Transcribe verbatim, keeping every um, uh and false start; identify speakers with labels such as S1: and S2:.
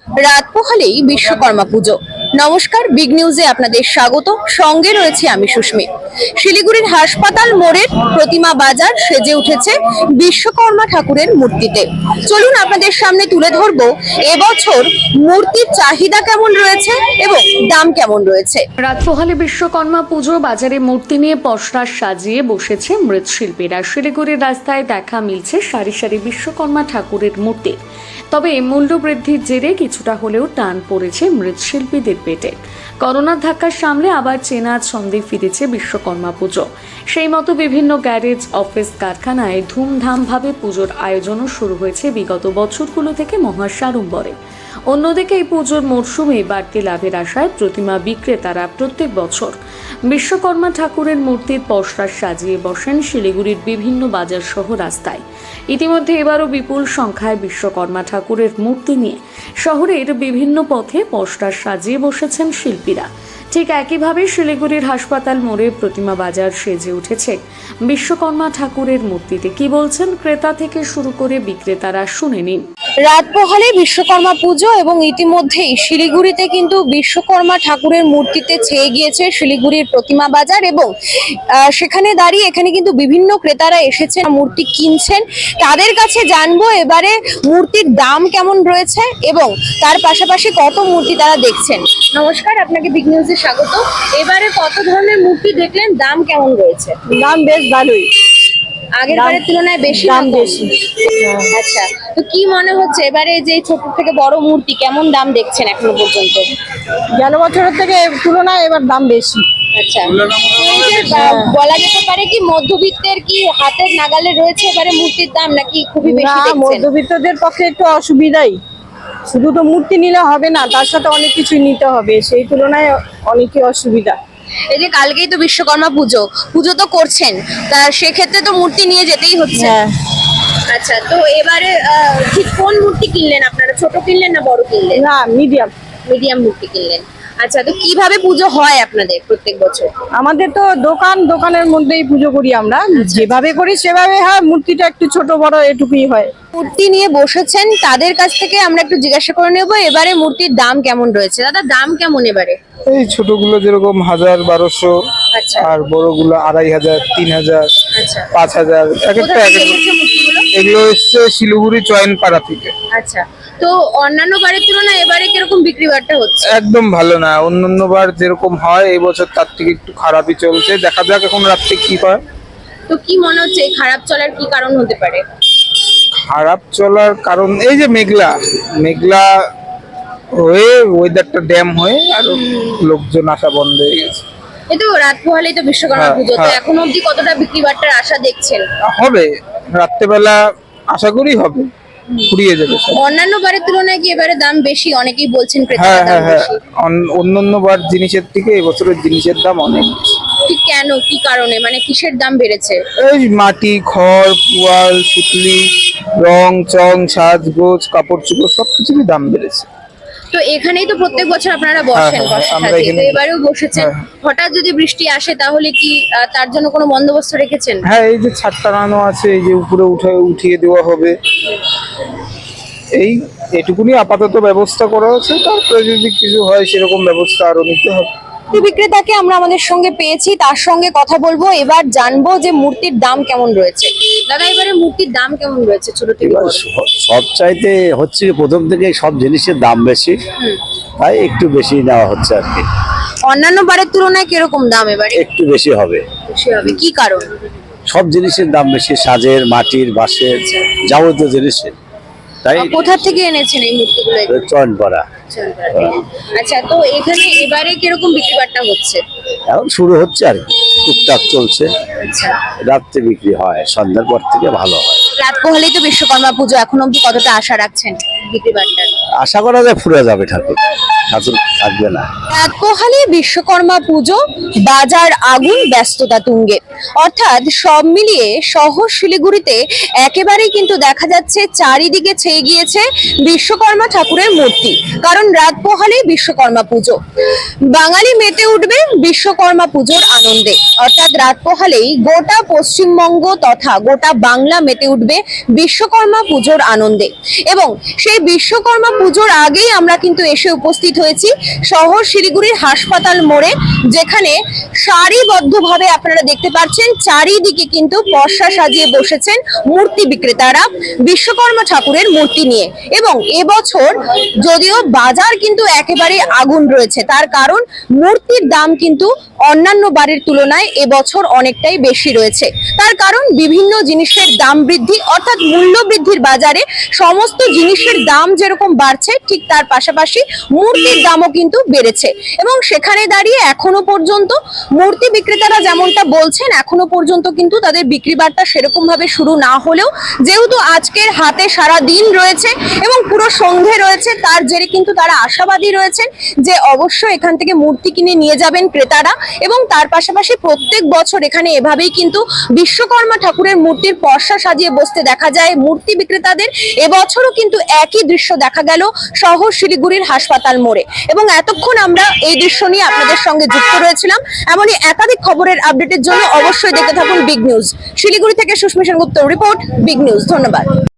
S1: রাত পোহালেই বিশ্বকর্মা পুজো। নমস্কার, বিগ নিউজে আপনাদের স্বাগত। সঙ্গে রয়েছে আমি সুস্মি। শিলিগুড়ির হাসপাতাল মোড়ের প্রতিমা বাজার সেজে উঠেছে বিশ্বকর্মা ঠাকুরের মূর্তিতে। চলুন আপনাদের সামনে তুলে ধরবো এবছর মূর্তির চাহিদা কেমন রয়েছে এবং দাম কেমন রয়েছে।
S2: রাত পোহালে বিশ্বকর্মা পুজো বাজারে মূর্তি নিয়ে পসরা সাজিয়ে বসেছে মৃৎশিল্পীরা। শিলিগুড়ির রাস্তায় দেখা মিলছে সারি সারি বিশ্বকর্মা ঠাকুরের মূর্তি। তবে মূল্য বৃদ্ধির জেরে কিছুটা হলেও টান পড়েছে মৃৎশিল্পীদের পেটে। করোনার ধাক্কা সামলে আবার চেনা ছন্দে ফিরেছে বিশ্বকর্মা পুজো। সেই মতো বিভিন্ন গ্যারেজ, অফিস, কারখানায় ধুমধামভাবে পুজোর আয়োজনও শুরু হয়েছে বিগত বছরগুলো থেকে মহা সাড়ম্বরে। অন্যদিকে এই পুজোর মরশুমে বাড়তি লাভের আশায় প্রতিমা বিক্রেতারা প্রত্যেক বছর বিশ্বকর্মা ঠাকুরের মূর্তির পসরা সাজিয়ে বসেন শিলিগুড়ির বিভিন্ন বাজার সহ রাস্তায়। ইতিমধ্যে এবারও বিপুল সংখ্যায় বিশ্বকর্মা ঠাকুরের মূর্তি নিয়ে শহরের বিভিন্ন পথে পসরা সাজিয়ে বসেছেন শিল্পীরা। ঠিক একইভাবে শিলিগুড়ির হাসপাতাল মোড়ে প্রতিমা বাজার সেজে উঠেছে বিশ্বকর্মা ঠাকুরের মূর্তিতে। কি বলছেন ক্রেতা থেকে শুরু করে বিক্রেতারা, শুনে নিন।
S1: রাত পোহালে বিশ্বকর্মা পুজো এবং ইতিমধ্যেই শিলিগুড়িতে কিন্তু বিশ্বকর্মা ঠাকুরের মূর্তিতে ছেয়ে গিয়েছে শিলিগুড়ির প্রতিমা বাজার এবং সেখানে দাঁড়িয়ে এখানে কিন্তু বিভিন্ন ক্রেতারা এসেছেন, মূর্তি কিনছেন। তাদের কাছে জানবো এবারে মূর্তির দাম কেমন রয়েছে এবং তার পাশাপাশি কত মূর্তি তারা দেখছেন। নমস্কার, আপনাকে বিগ নিউজে স্বাগত। এবারে কত ধরনের মূর্তি দেখলেন, দাম কেমন রয়েছে?
S3: দাম বেশ ভালোই,
S1: আগের বারের তুলনায় বেশি
S3: দাম
S1: না কম?
S3: বেশি।
S1: আচ্ছা, তো কি মনে হচ্ছে এবারে যে ছোট থেকে বড় মূর্তি কেমন দাম দেখছেন এখনো পর্যন্ত?
S3: গেল বছরের থেকে তুলনায় এবার দাম বেশি।
S1: আচ্ছা, এই যে বা- বলা যেতে পারে কি মধ্যবিত্তের কি হাতের নাগালে রয়েছে এবারে মূর্তির দাম, নাকি খুবই বেশি
S3: না,
S1: দেখছেন?
S3: মধ্যবিত্তদের পক্ষে একটু অসুবিধাই। শুধু তো মূর্তি নিলে হবে না, তার সাথে অনেক কিছু নিতে হবে, সেই তুলনায় অনেকই অসুবিধা।
S1: এই যে কালকেই তো বিশ্বকর্মা পুজো, পুজো তো করছেন, তা সেক্ষেত্রে তো মূর্তি নিয়ে যেতেই হচ্ছে।
S3: হ্যাঁ,
S1: আচ্ছা, তো এবারে আহ, ঠিক কোন মূর্তি কিনলেন আপনারা? ছোট কিনলেন না বড় কিনলেন?
S3: না মিডিয়াম।
S1: মিডিয়াম মূর্তি কিনলেন। আচ্ছা, তো কিভাবে পুজো হয় আপনাদের প্রত্যেক বছর?
S3: আমাদের তো দোকান, দোকানের মধ্যেই পুজো করি আমরা, যেভাবে করি সেভাবে হয়। মূর্তিটা একটু ছোট বড় এটুকুই হয়।
S1: মূর্তি নিয়ে বসেছেন, তাদের কাছ থেকে আমরা একটু জিজ্ঞাসা করে নেবো এবারে মূর্তির দাম কেমন রয়েছে। দাদা, দাম কেমন এবারে?
S4: এই ছোটগুলো যেরকম হাজার বারোশো,
S1: আচ্ছা
S4: আর বড়গুলো আড়াই হাজার, তিন হাজার,
S1: আচ্ছা,
S4: পাঁচ হাজার, এক
S1: কোথা
S4: একটা এক
S1: থেকে
S4: এক-
S1: এসেছে মূর্তিগুলো?
S4: এগুলো এসছে শিলিগুড়ি চয়নপাড়া থেকে।
S1: আচ্ছা, তো অন্যান্য বারের তুলনায় এবারে কিরকম বিক্রি বাট্টা হচ্ছে?
S4: একদম ভালো না, অন্যান্য বার যেরকম হয় এই বছর তার থেকে একটু খারাপই চলছে। দেখা যাক এখন রাত্রে কি হয়।
S1: তো কি মনে হচ্ছে এই খারাপ চলার কি কারণ হতে পারে?
S4: খারাপ চলার কারণ এই যে মেঘলা মেঘলা হয়ে ওয়েদারটা ড্যাম হয়ে আর লোকজন আসা বন্ধ হয়ে গেছে।
S1: এই তো রাত পোহালেই তো বিশ্বকর্মা
S4: হ্যাঁ,
S1: পুজো, তো
S4: হ্যাঁ।
S1: এখন অবধি কতটা বিক্রি বাট্টার আশা দেখছেন?
S4: হবে রাত্রেবেলা, আশা করি হবে, ফুরিয়ে যাবে সব।
S1: অন্যান্য বারের তুলনায় কি এবারে দাম বেশি? অনেকেই বলছেন
S4: হ্যাঁ
S1: ক্রেতারা দাম
S4: হ্যাঁ হ্যাঁ,
S1: বেশি।
S4: অন- অন্যান্য বার জিনিসের থেকে এবছরের জিনিসের দাম অনেক বেশি।
S1: ঠিক কেন, কি কারণে, মানে কিসের দাম বেড়েছে?
S4: এই মাটি, খড়, পুয়াল, সুতলি, রং চং, সাজগোজ, কাপড় চোপড় সবকিছুরই দাম বেড়েছে।
S1: তো এখানেই তো প্রত্যেক বছর আপনারা বসেন
S4: হ্যাঁ, হ্যাঁ,
S1: বর্ষা
S4: আমরা
S1: সাজিয়ে, তো
S4: এখানেই-
S1: এবারেও বসেছেন।
S4: হ্যাঁ।
S1: হঠাৎ যদি বৃষ্টি আসে তাহলে কি আহ, তার জন্য কোনো বন্দোবস্ত রেখেছেন?
S4: হ্যাঁ, এই যে ছাদ টানানো আছে, এই যে উপরে উঠে উঠিয়ে দেওয়া হবে, এই এটুকুনি আপাতত ব্যবস্থা করা আছে। তারপরে যদি কিছু হয় সেরকম ব্যবস্থা আরো নিতে হবে।
S1: মূর্তি বিক্রেতাকে আমরা আমাদের সঙ্গে পেয়েছি, তার সঙ্গে কথা বলবো। এবার জানবো যে মূর্তির দাম কেমন রয়েছে। দাদা, এবারে মূর্তির দাম কেমন রয়েছে ছোট থেকে
S5: এবার
S1: বড়?
S5: স- সব চাইতে হচ্ছে কি, প্রথম থেকে সব জিনিসের দাম বেশি, তাই একটু বেশি নেওয়া হচ্ছে আর কি।
S1: অন্যান্য বারের তুলনায় কিরকম দাম এবারে?
S5: একটু বেশি হবে।
S1: বেশি হবে, কি কারণ?
S5: সব জিনিসের দাম বেশি, সাজের, মাটির, বাঁশের, যাবতীয় জিনিসের, তাই
S1: আহ, কোথা থেকে এনেছেন এই মূর্তিগুলো?
S5: চয়ন করা।
S1: আচ্ছা, তো এখানে এবারে কিরকম বিক্রি বাট্টা হচ্ছে?
S5: এখন শুরু হচ্ছে আর কি, টুকটাক চলছে।
S1: আচ্ছা,
S5: রাত্রে বিক্রি হয়, সন্ধ্যার পর থেকে ভালো হয়।
S1: রাত পোহালেই তো বিশ্বকর্মা পুজো, এখন অবধি কতটা আশা রাখছেন বিক্রি বাট্টার?
S5: আশা করা যায় ফুরে যাবে ঠাকুর, ঠাকুর থাকবে না।
S1: রাত পোহালে বিশ্বকর্মা পুজো, বাজার আগুন, ব্যস্ততা তুঙ্গে। অর্থাৎ সব মিলিয়ে শহর শিলিগুড়িতে একেবারেই কিন্তু দেখা যাচ্ছে চারিদিকে ছেয়ে গিয়েছে বিশ্বকর্মা ঠাকুরের মূর্তি। কারণ রাত পোহালেই বিশ্বকর্মা পুজো, বাঙালি মেতে উঠবে বিশ্বকর্মা পুজোর আনন্দে। অর্থাৎ রাত পোহালেই গোটা পশ্চিমবঙ্গ তথা গোটা বাংলা মেতে উঠবে বিশ্বকর্মা পুজোর আনন্দে। এবং সেই এই বিশ্বকর্মা পুজোর আগেই আমরা কিন্তু এসে উপস্থিত হয়েছি শহর শিলিগুড়ির হাসপাতাল মোড়ে, যেখানে সারিবদ্ধভাবে আপনারা দেখতে পাচ্ছেন চারিদিকে কিন্তু পসরা সাজিয়ে বসেছেন মূর্তি বিক্রেতারা বিশ্বকর্মা ঠাকুরের মূর্তি নিয়ে। এবং এবছর যদিও বাজার কিন্তু একেবারে আগুন রয়েছে, তার কারণ মূর্তির দাম কিন্তু অন্যান্য বারের তুলনায় এবছর অনেকটাই বেশি রয়েছে। তার কারণ বিভিন্ন জিনিসের দাম বৃদ্ধি, অর্থাৎ মূল্য বৃদ্ধির বাজারে সমস্ত জিনিসের দাম যেরকম বাড়ছে, ঠিক তার পাশাপাশি মূর্তির দামও কিন্তু বেড়েছে। এবং সেখানে দাঁড়িয়ে এখনো পর্যন্ত মূর্তি বিক্রেতারা যেমনটা বলছেন, এখনো পর্যন্ত কিন্তু তাদের বিক্রি বার্তা সেরকম ভাবে শুরু না হলেও যেহেতু আজকের হাতে সারা দিন রয়েছে এবং পুরো সন্ধে রয়েছে, তার জেরে কিন্তু তারা আশাবাদী রয়েছেন যে অবশ্যই এখান থেকে মূর্তি কিনে নিয়ে যাবেন ক্রেতারা। এবং তার পাশাপাশি প্রত্যেক বছর এখানে এভাবেই কিন্তু বিশ্বকর্মা ঠাকুরের মূর্তির পসরা সাজিয়ে বসতে দেখা যায় মূর্তি বিক্রেতাদের। এবছরও কিন্তু একই দৃশ্য দেখা গেল শহর শিলিগুড়ির হাসপাতাল মোড়ে। এবং এতক্ষণ আমরা এই দৃশ্য নিয়ে আপনাদের সঙ্গে যুক্ত রয়েছিলাম। এমনই একাধিক খবরের আপডেটের জন্য অবশ্যই দেখতে থাকুন বিগ নিউজ। শিলিগুড়ি থেকে Susmita Sengupta report, big news. ধন্যবাদ।